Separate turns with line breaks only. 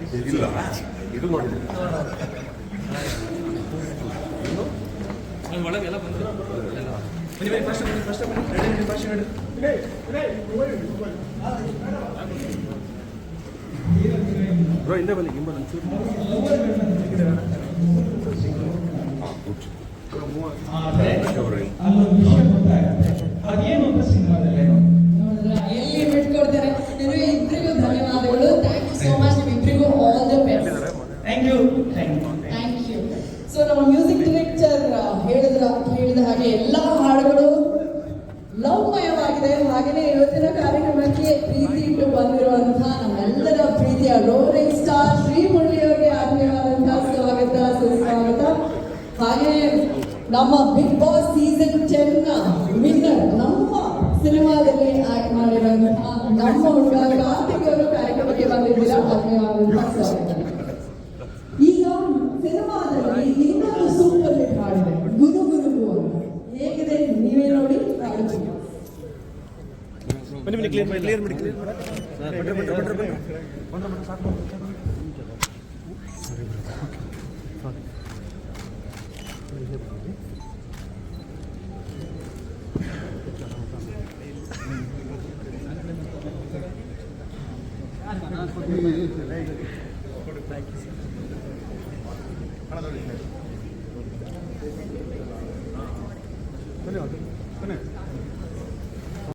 ಇಲ್ಲ ಇದು ನೋಡಿದೆ
ಒಳಗೆಲ್ಲ ಬಂದು
ಬ್ರೋ ಹಿಂದೆ ಬನ್ನಿ ಗಿಂಬಲ್ ಒಂಚೂರು
ಅದೇನು ಸಿನಿಮಾದಲ್ಲಿ
ಎಲ್ಲಿ ಬಿಟ್ಕೊಡ್ತಾರೆ. ನಿಮಗೆ ಇಬ್ಬರಿಗೂ ಧನ್ಯವಾದಗಳು. Thank you so much. ನಿಮ್ಮಿಬ್ಬರಿಗೂ all the best.
Thank you.
Thank you. So ನಮ್ಮ ಮ್ಯೂಸಿಕ್ ಡೈರೆಕ್ಟರ್ ಹೇಳಿದ ಹಾಗೆ ಎಲ್ಲ ಹಾಡುಗಳು ಲವ್ಮಯವಾಗಿದೆ. ಹಾಗೆಯೇ ಇವತ್ತಿನ ಕಾರ್ಯಕ್ರಮಕ್ಕೆ ಪ್ರೀತಿ ಇಟ್ಟು ಬಂದಿರುವಂತಹ ನಮ್ಮೆಲ್ಲರ ಪ್ರೀತಿಯ ರೋರಿಂಗ್ ಸ್ಟಾರ್ ಶ್ರೀ ಮುರಳಿ ಅವರಿಗೆ ಆತ್ಮೀಯವಾದಂತಹ ಸ್ವಾಗತ ಸುಸ್ವಾಗತ. ಹಾಗೆಯೇ ನಮ್ಮ ಬಿಗ್ ಬಾಸ್ ಸೀಸನ್ 10 ವಿನ್ನರ್ ನಮ್ಮ ಸಿನಿಮಾದಲ್ಲಿ ಆಕ್ಟ್ ಮಾಡಿರುವಂತಹ ನಮ್ಮ ಹುಡುಗ ಕಾರ್ತಿಕ್ ಅವರು ಕಾರ್ಯಕ್ರಮಕ್ಕೆ ಬಂದಿದ್ದೀರಾ. ಆತ್ಮೀಯವಾದಂತಹ ಸ್ವಾಗತ. ಈಗ ಸಿನಿಮಾದಲ್ಲಿ ಇನ್ನೊಂದು ಸೂಪರ್ ಹಿಟ್ ಹಾಡಿದೆ ಗುರು ಗುರುಗು ಅಂತ. ಹೇಗಿದೆ ನೀವೇ ನೋಡಿ ಹಾಡುತ್ತೀವಿ.
ಬನ್ನಿ ಕ್ಲಿಯರ್ ಮಾಡಿ ಬನ್ನಿ